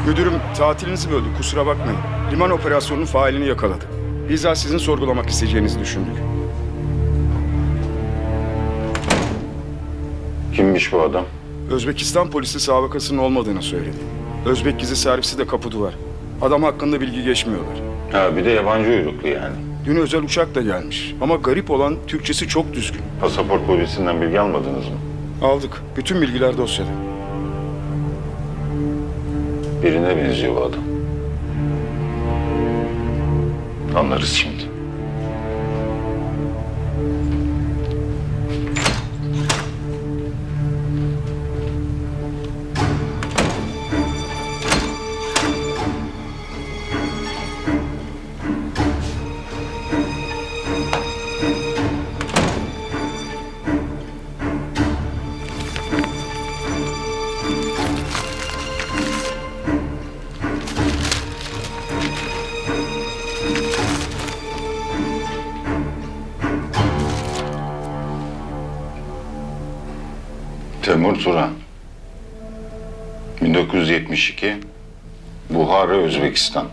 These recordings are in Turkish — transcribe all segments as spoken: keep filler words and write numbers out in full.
Müdürüm tatilinizi böldü, kusura bakmayın. Liman operasyonunun failini yakaladı. Bizzat sizin sorgulamak isteyeceğinizi düşündük. Kimmiş bu adam? Özbekistan polisi sabıkasının olmadığını söyledi. Özbek gizli servisi de kapı duvar. Adam hakkında bilgi geçmiyorlar. Ha bir de yabancı uyruklu yani. Dün özel uçakla gelmiş ama garip olan Türkçesi çok düzgün. Pasaport polisinden bilgi almadınız mı? Aldık. Bütün bilgiler dosyada. Birine benziyor bu adam. Anlarız şimdi. Temur Turan. bin dokuz yüz yetmiş iki. Buhara, Özbekistan.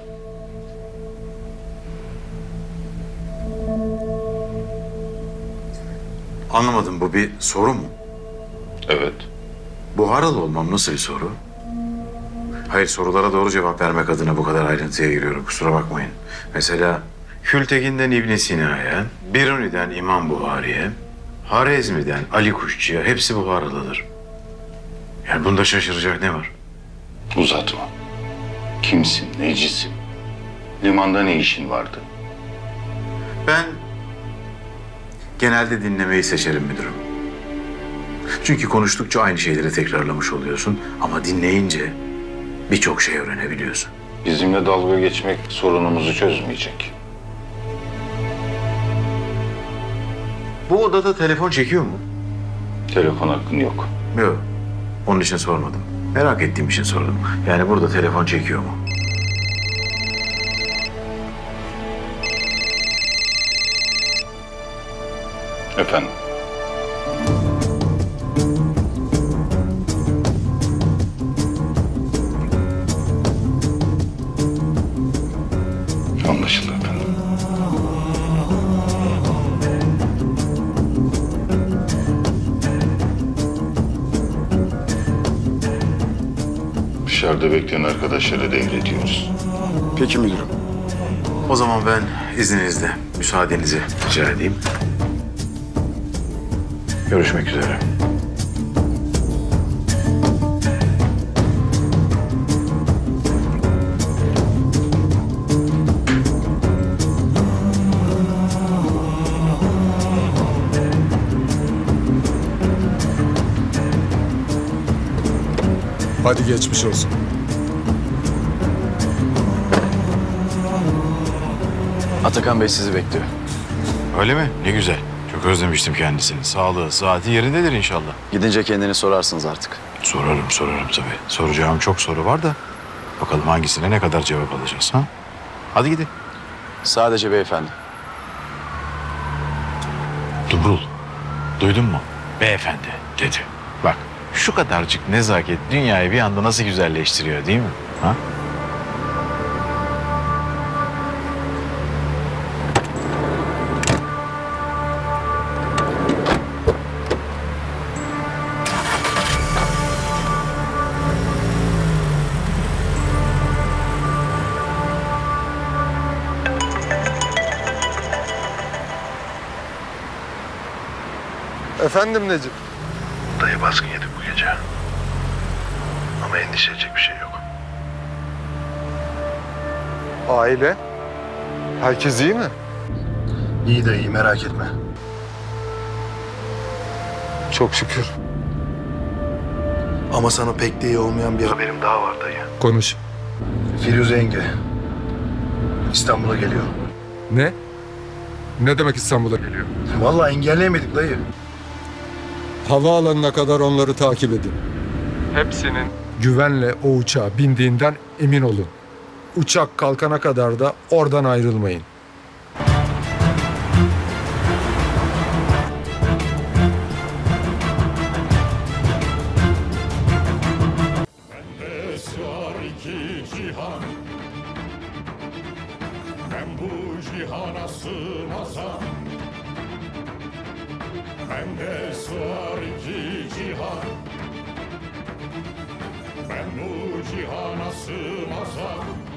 Anlamadım, bu bir soru mu? Evet. Buharalı olmam nasıl bir soru? Hayır, sorulara doğru cevap vermek adına bu kadar ayrıntıya giriyorum, kusura bakmayın. Mesela Kültekin'den İbn Sina'ya, Biruni'den İmam Buhari'ye, Harezmi'den Ali Kuşçu'ya hepsi Buharalıdır. Yani bunda şaşıracak ne var? Uzatma. Kimsin, necisin? Limanda ne işin vardı? Ben genelde dinlemeyi seçerim müdürüm. Çünkü konuştukça aynı şeyleri tekrarlamış oluyorsun ama dinleyince birçok şey öğrenebiliyorsun. Bizimle dalga geçmek sorunumuzu çözmeyecek. Bu odada telefon çekiyor mu? Telefon hakkın yok. Yok. Onun için sormadım. Merak ettiğim için sordum. Yani burada telefon çekiyor mu? Efendim? Anlaşıldı efendim. Dışarıda bekleyen arkadaşlara devrediyoruz. Peki müdürüm. O zaman ben izninizle müsaadenizi rica edeyim. Görüşmek üzere. Hadi geçmiş olsun. Atakan Bey sizi bekliyor. Öyle mi? Ne güzel. Çok özlemiştim kendisini. Sağlığı, saati yerindedir inşallah. Gidince kendini sorarsınız artık. Sorarım, sorarım tabii. Soracağım çok soru var da bakalım hangisine ne kadar cevap alacağız ha? Hadi gidin. Sadece beyefendi. Dumrul, duydun mu? Beyefendi dedi. Bak, şu kadarcık nezaket dünyayı bir anda nasıl güzelleştiriyor değil mi? Ha? Efendim Necip? Dayı baskın yedik bu gece. Ama endişe edecek bir şey yok. Aile? Herkes iyi mi? İyi dayı, merak etme. Çok şükür. Ama sana pek de iyi olmayan bir haberim daha var dayı. Konuş. Firuze yenge İstanbul'a geliyor. Ne? Ne demek İstanbul'a geliyor? Vallahi engelleyemedik dayı. Havaalanına kadar onları takip edin. Hepsinin güvenle o uçağa bindiğinden emin olun. Uçak kalkana kadar da oradan ayrılmayın. Var iki iki cihan. Ben bu cihana sığmazam. Bende sığar iki cihan. Ben bu cihana sığmazam.